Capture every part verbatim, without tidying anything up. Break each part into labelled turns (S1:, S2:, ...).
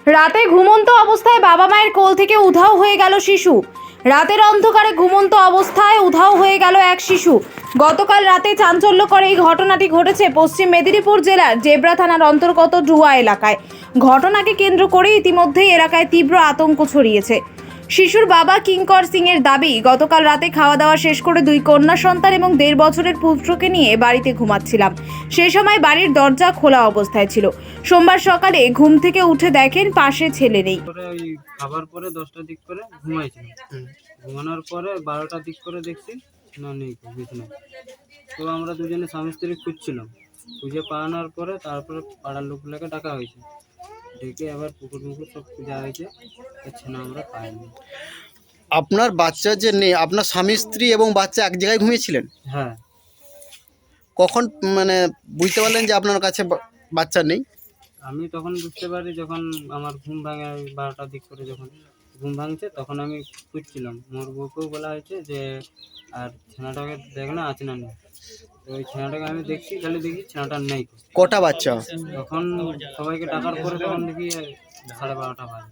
S1: রাতে ঘুমন্ত অবস্থায় বাবা মায়ের কোল থেকে উধাও হয়ে গেল শিশু। রাতের অন্ধকারে ঘুমন্ত অবস্থায় উধাও হয়ে গেল এক শিশু। গতকাল রাতে চাঞ্চল্যকর এই ঘটনাটি ঘটেছে পশ্চিম মেদিনীপুর জেলার জেবরা থানার অন্তর্গত ডুয়া এলাকায়। ঘটনাকে কেন্দ্র করে ইতিমধ্যেই এলাকায় তীব্র আতঙ্ক ছড়িয়েছে। শিশুর বাবা কিঙ্কর সিং এর দাবি, গতকাল রাতে খাওয়া দাওয়া শেষ করে দুই কন্যা সন্তান এবং দেড় বছরের পুত্রকে নিয়ে বাড়িতে ঘুমাচ্ছিলাম। সেই সময় বাড়ির দরজা খোলা অবস্থায় ছিল। সোমবার সকালে ঘুম থেকে উঠে দেখেন পাশে ছেলে নেই।
S2: ওই খাবার পরে দশটার দিক করে ঘুমাইছিলাম। ঘুমানোর পরে বারোটার দিক করে দেখছি না নেই বিছানায়। তো আমরা দুজনে স্বামী স্ত্রী খুঁজছিলাম। খুঁজে পাওয়ানোর পরে তারপরে পাড়ার লোকগুলোকে ডাকা হয়েছে। ডেকে আবার পুকুর মুকুর সব খোঁজা হয়েছে, ছেনা আমরা পাইনি।
S3: আপনার বাচ্চা যে নেই, আপনার স্বামী স্ত্রী এবং বাচ্চা এক জায়গায় ঘুমিয়েছিলেন?
S2: হ্যাঁ।
S3: কখন মানে বুঝতে পারলেন যে আপনার কাছে বা- বাচ্চা নেই?
S2: আমি তখন বুঝতে পারি যখন আমার ঘুম ভাঙে, বারোটার দিক করে যখন ঘুম ভাঙছে তখন আমি খুঁজছিলাম। মোর বউকেও বলা হয়েছে যে আর ছেনাটাকে দেখ না আছে না নেই। তো ওই ছেনাটাকে আমি দেখছি, খালি দেখি ছেনাটা নেই।
S3: কটা বাচ্চা?
S2: তখন সবাইকে ডাকার পরে তখন দেখি সাড়ে বারোটা বাজে।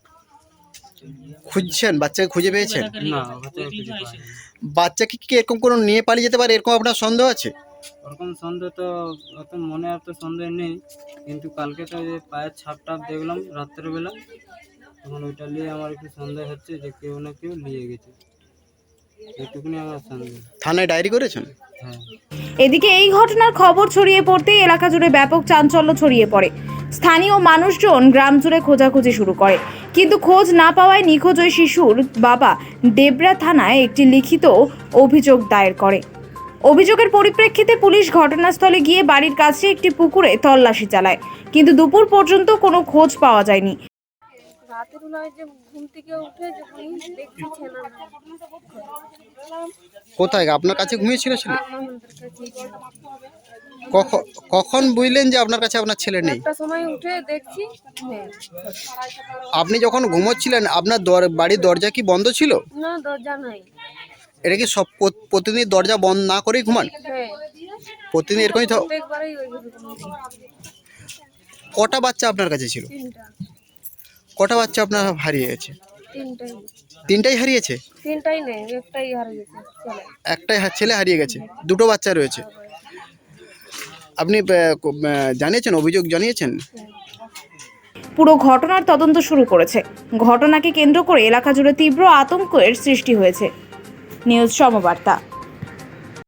S3: খুঁজছেন, বাচ্চাকে খুঁজে পেয়েছেন?
S2: না, বাচ্চাকে খুঁজে পাওয়া যায়নি।
S3: বাচ্চাকে কি এরকম কোনো নিয়ে পালিয়ে যেতে পারে, এরকম আপনার সন্দেহ আছে?
S2: ওরকম সন্দেহ তো অত মনে আর তো সন্দেহ নেই, কিন্তু কালকে তো যে পায়ের ছাপ টাপ দেখলাম রাত্রেবেলা, তখন ওইটা নিয়ে আমার একটু সন্দেহ হচ্ছে যে কেউ না কেউ নিয়ে গেছে। এইটুকুনি আমার সন্দেহ।
S3: থানায় ডায়েরি করেছেন?
S2: হ্যাঁ।
S1: এদিকে এই ঘটনার খবর ছড়িয়ে পড়তেই এলাকা জুড়ে ব্যাপক চাঞ্চল্য ছড়িয়ে পড়ে। স্থানীয় মানুষজন গ্রাম জুড়ে খোঁজাখুঁজি শুরু করে, কিন্তু খোঁজ না পাওয়ায় নিখোঁজ ওই শিশুর বাবা ডেবরা থানায় একটি লিখিত অভিযোগ দায়ের করে। অভিযোগের পরিপ্রেক্ষিতে পুলিশ ঘটনাস্থলে গিয়ে বাড়ির কাছে একটি পুকুরে তল্লাশি চালায়, কিন্তু দুপুর পর্যন্ত কোনো খোঁজ পাওয়া যায়নি।
S4: রাতের বেলায় যে ঘুম থেকে উঠে যখন দেখছি ছেলে না,
S3: কোথায়? আপনার কাছে ঘুমিয়েছিল ছেলে?
S4: আমাদের কাছেই ছিল।
S3: কখন কখন বুঝলেন যে আপনার কাছে আপনার ছেলে নেই?
S4: একটা সময় উঠে দেখছি নেই।
S3: আপনি যখন ঘুমোচ্ছিলেন আপনার দর- বাড়ির দরজা কি বন্ধ ছিল?
S4: না, দরজা নাই।
S3: এটা কি সব প্রত- প্রতিদিন দরজা বন্ধ না করেই ঘুমান?
S4: হ্যাঁ,
S3: প্রতিদিন এরকমই তো?
S4: প্রত্যেকবারই ওইভাবে ঘুমাই।
S3: কটা বাচ্চা আপনার কাছে ছিল?
S4: তিনটা
S3: কটা বাচ্চা আপনার হারিয়ে গেছে?
S4: তিনটাই
S3: তিনটাই হারিয়েছে?
S4: তিনটাই নেই, একটাই হারিয়ে গেছে ছেলে।
S3: একটাই হা- ছেলে হারিয়ে গেছে, দুটো বাচ্চা রয়েছে। আপনি আহ, ক- আহ, জানিয়েছেন, অভিযোগ জানিয়েছেন?
S1: পুরো ঘটনার তদন্ত শুরু করেছে। ঘটনাকে কেন্দ্র করে এলাকা জুড়ে তীব্র আতঙ্কের সৃষ্টি হয়েছে। নিউজ সমবার্তা।